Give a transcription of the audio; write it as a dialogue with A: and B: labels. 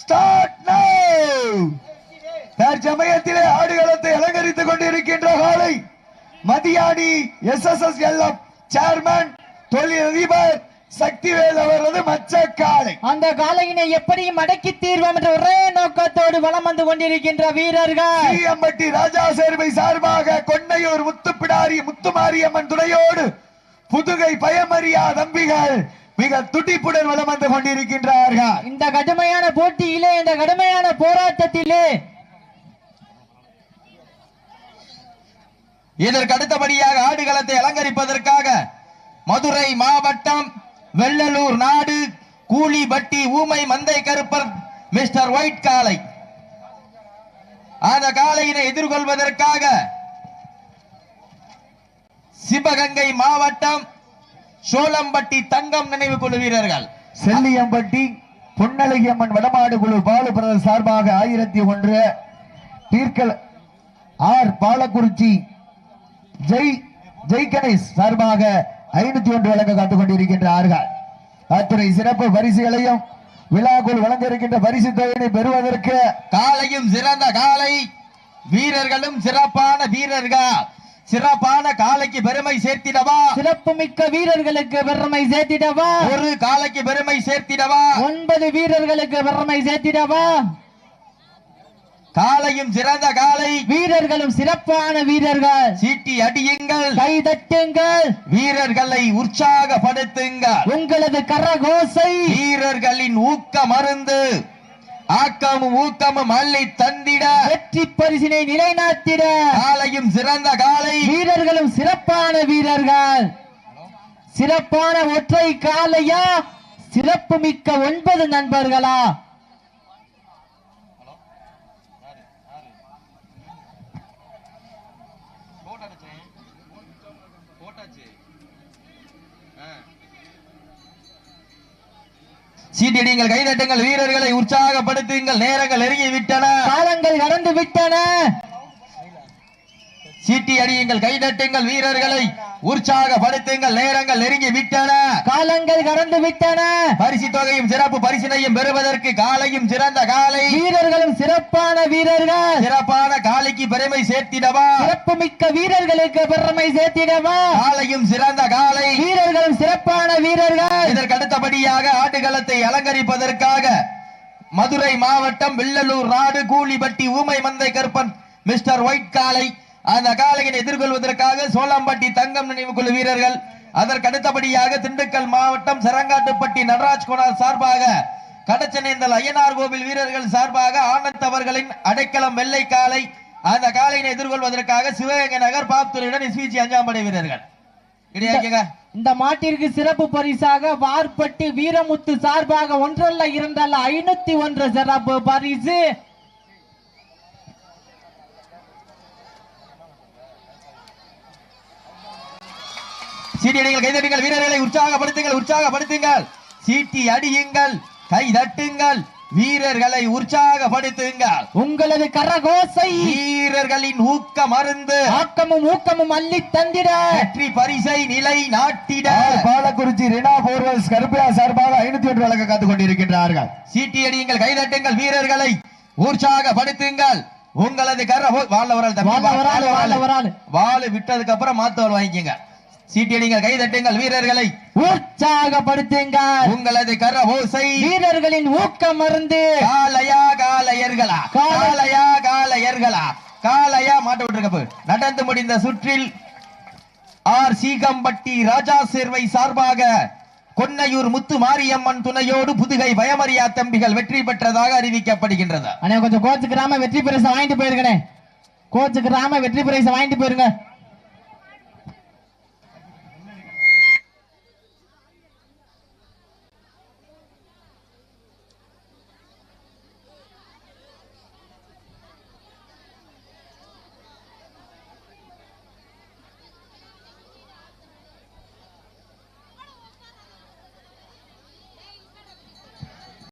A: Start நவ. தற்சமயத்திலே ஆடுகளத்தை அலங்கரித்துக் கொண்டிருக்கின்ற காலை மதியானி SSSLF சேர்மன் தொழிலதிபர் சக்திவேல் அவரது மச்ச காளை.
B: அந்த காளையினை எப்படி மடக்கி தீர்வோம் என்ற ஒரே நோக்கத்தோடு வலம் வந்து கொண்டிருக்கின்ற வீரர்கள்
A: சீயம்பட்டி ராஜா சேர்வை சார்பாக கொன்னையூர் முத்துப்பிடாரி முத்துமாரியம்மன் துணையோடு புதுகை பயமறியா தம்பிகள் மிக துடிப்புடன் வலம் வந்து கொண்டிருக்கின்றார்கள்.
B: இந்த கடுமையான போட்டியிலே, இந்த கடுமையான போராட்டத்திலே
C: இதற்கு அடுத்தபடியாக ஆடுகளத்தை அலங்கரிப்பதற்காக மதுரை மாவட்டம் வெள்ளலூர் நாடு கூலிபட்டி ஊமை மந்தை கருப்பர் மிஸ்டர் ஒயிட் காளை. அந்த காளையினை எதிர்கொள்வதற்காக சிவகங்கை மாவட்டம் சோளம்பட்டி தங்கம் நினைவு குழு வீரர்கள்,
A: செல்லியம்பட்டி பொன்னழகியம்மன் வடமாடு குழு பாலு பிரதர் சார்பாக 1001, தீர்க்கல் ஆர் பாலக்குறிச்சி ஜெய் கணேஷ் சார்பாக 501 வழங்க காத்துக் கொண்டிருக்கின்றார்கள். அத்துறை சிறப்பு பரிசுகளையும் விழாக்குள் வழங்க இருக்கின்ற பரிசு தொகையினை பெறுவதற்கு
C: காலையும் சிறந்த காலை, வீரர்களும் சிறப்பான வீரர்கள். சிறப்பான காலைக்கு பெருமை சேர்த்திடவா,
B: சிறப்பு மிக்க வீரர்களுக்கு பெருமை சேர்த்திடவா,
C: ஒரு காலைக்கு பெருமை சேர்த்திடவா,
B: 9 வீரர்களுக்கு பெருமை சேர்த்திடவா.
C: காலையும் சிறந்த காலை,
B: வீரர்களும் சிறப்பான வீரர்கள்.
C: சீட்டி அடியுங்கள்,
B: கை தட்டுங்கள்,
C: வீரர்களை உற்சாகப்படுத்துங்கள்.
B: உங்களது கரகோசை
C: வீரர்களின் ஊக்க மருந்து, ஆக்கமும் ஊக்கமும் அள்ளி தந்திட,
B: வெற்றி பரிசினை நிலைநாட்டிட.
C: காலையும் சிறந்த காலை,
B: வீரர்களும் சிறப்பான வீரர்கள். சிறப்பான ஒற்றை காலையா, சிறப்பு மிக்க 9 நண்பர்களா?
C: சீட்டிடுங்கள், கைதட்டுங்கள், வீரர்களை உற்சாகப்படுத்துங்கள். நேரங்கள் நெருங்கி விட்டன,
B: காலங்கள் கடந்து விட்டன.
C: சீட்டி அடியுங்கள், கைதட்டுங்கள், வீரர்களை உற்சாகப்படுத்துங்கள். நேரங்கள் நெருங்கி விட்டன,
B: காலங்கள் கடந்து விட்டன.
C: பரிசு தொகையும் சிறப்பு பரிசினையும் பெறுவதற்கு காலையும் சிறந்த காலை,
B: வீரர்களும் சிறப்பான வீரர்கள்.
C: சிறப்பான காலைக்கு பெருமை சேர்த்திடவா,
B: சிறப்பு மிக்க வீரர்களுக்கு பெருமை சேர்த்திடவா.
C: காலையும் சிறந்த காலை,
B: வீரர்களும் சிறப்பான வீரர்கள்.
C: இதற்கு அடுத்தபடியாக ஆடுகளத்தை அலங்கரிப்பதற்காக மதுரை மாவட்டம் வெள்ளலூர் நாடு கூலிபட்டி ஊமை மந்தை கருப்பன் மிஸ்டர் ஒயிட் காளை. அந்த காளையை எதிர்கொள்வதற்காக சோளம்பட்டி தங்கம் நினைவு குழு வீரர்கள். அதற்கு அடுத்தபடியாக திண்டுக்கல் மாவட்டம் சரங்காட்டுப்பட்டி நடராஜ் கோனார் சார்பாக, கடச்சனேந்தல் ஐயனார் கோவில் வீரர்கள் சார்பாக ஆனந்த் அவர்களின் அடைக்கலம் வெள்ளை காளை. அந்த காளையை எதிர்கொள்வதற்காக சிவகங்கை நகர் பாப்துரையுடன் SVG 5ஆம் படை வீரர்கள்.
B: இந்த மாட்டிற்கு சிறப்பு பரிசாக வார்பட்டி வீரமுத்து சார்பாக 1 அல்ல 2 அல்ல 501 சிறப்பு பரிசு.
C: சீட்டியடிங்கள், கைதட்டுங்கள், வீரர்களை உற்சாகப்படுத்துங்கள், உற்சாகப்படுத்துங்கள். சீட்டி அடியுங்கள், கை தட்டுங்கள், வீரர்களை உற்சாகப்படுத்துங்கள்.
B: உங்களது கரகோசை
C: வீரர்களின் ஊக்க மருந்து,
B: ஆக்கமும் ஊக்கமும் அள்ளி தந்திட,
C: வெற்றி பரிசை நிலை நாட்டிட.
A: பாலக்குறிச்சி ரினா போர்வல்ஸ் கருப்பையா சார்பாக 501 வழங்க காத்துக் கொண்டிருக்கின்றார்கள்.
C: சீட்டி அடியுங்கள், கைதட்டுங்கள், வீரர்களை உற்சாகப்படுத்துங்கள். உங்களது வாழு விட்டதுக்கு அப்புறம் மாத்தவள் வாங்கிக்கங்க. சீட்டியடிங்கள், கைதட்டுங்கள், வீரர்களை
B: உற்சாகப்படுத்துங்கள்.
C: உங்களது கரவோசை,
B: வீரர்களின் ஊக்கம் மருந்து.
C: காளையா காளையர்களா, காளையா காளையர்களா, காளையா மாட்ட விட்டுருக்க. நடந்து முடிந்த சுற்றில் ஆர் சீகம்பட்டி ராஜா சேர்வை சார்பாக கொன்னையூர் முத்து மாரியம்மன் துணையோடு புதுகை பயமறியா தம்பிகள் வெற்றி பெற்றதாக அறிவிக்கப்படுகின்றது.
B: கொஞ்சம் கோச்சுக்கிறாம வெற்றி பரிசு வாங்கிட்டு போயிருக்கேன். கோச்சுக்கிறாம வெற்றி பரிசு வாங்கிட்டு போயிருங்க.